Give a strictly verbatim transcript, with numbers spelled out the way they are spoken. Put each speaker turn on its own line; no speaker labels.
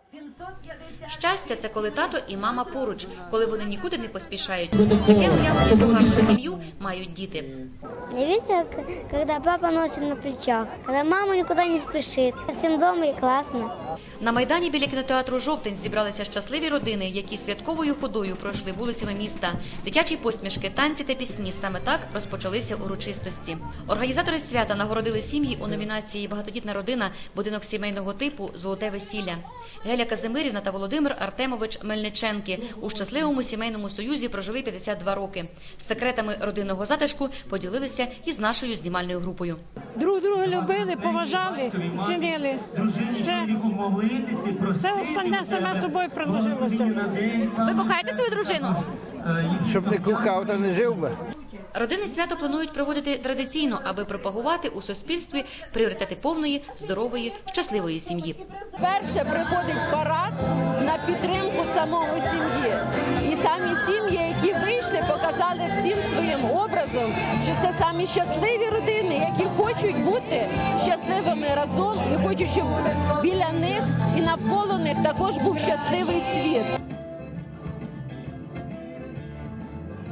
Щастя – це коли тато і мама поруч, коли вони нікуди не поспішають. Таке уявлення про гарну сім'ю мають діти.
Мне весело, когда папа носит на плечах, когда мама никуда не спешит. Всем дома и классно.
На Майдані біля кінотеатру «Жовтень» зібралися щасливі родини, які святковою ходою пройшли вулицями міста. Дитячі посмішки, танці та пісні – саме так розпочалися урочистості. Організатори свята нагородили сім'ї у номінації «Багатодітна родина. Будинок сімейного типу. Золоте весілля». Геля Казимирівна та Володимир Артемович Мельниченки у щасливому сімейному союзі прожили п'ятдесят два роки. Секретами родинного затишку поділилися із нашою знімальною групою.
Друг друга любили, поважали, цінили. Все, все остальне саме собою приложилося.
Ви кохаєте свою дружину?
Щоб не кохав, то не жив би.
Родини свято планують проводити традиційно, аби пропагувати у суспільстві пріоритети повної, здорової, щасливої сім'ї.
Перше приходить парад на підтримку самого сім'ї. І самі сім'ї, які вийшли, показали всім своїм образом, що це самі щасливі родини, які хочуть бути щасливими разом і хочуть, щоб біля них і навколо них також був щасливий світ.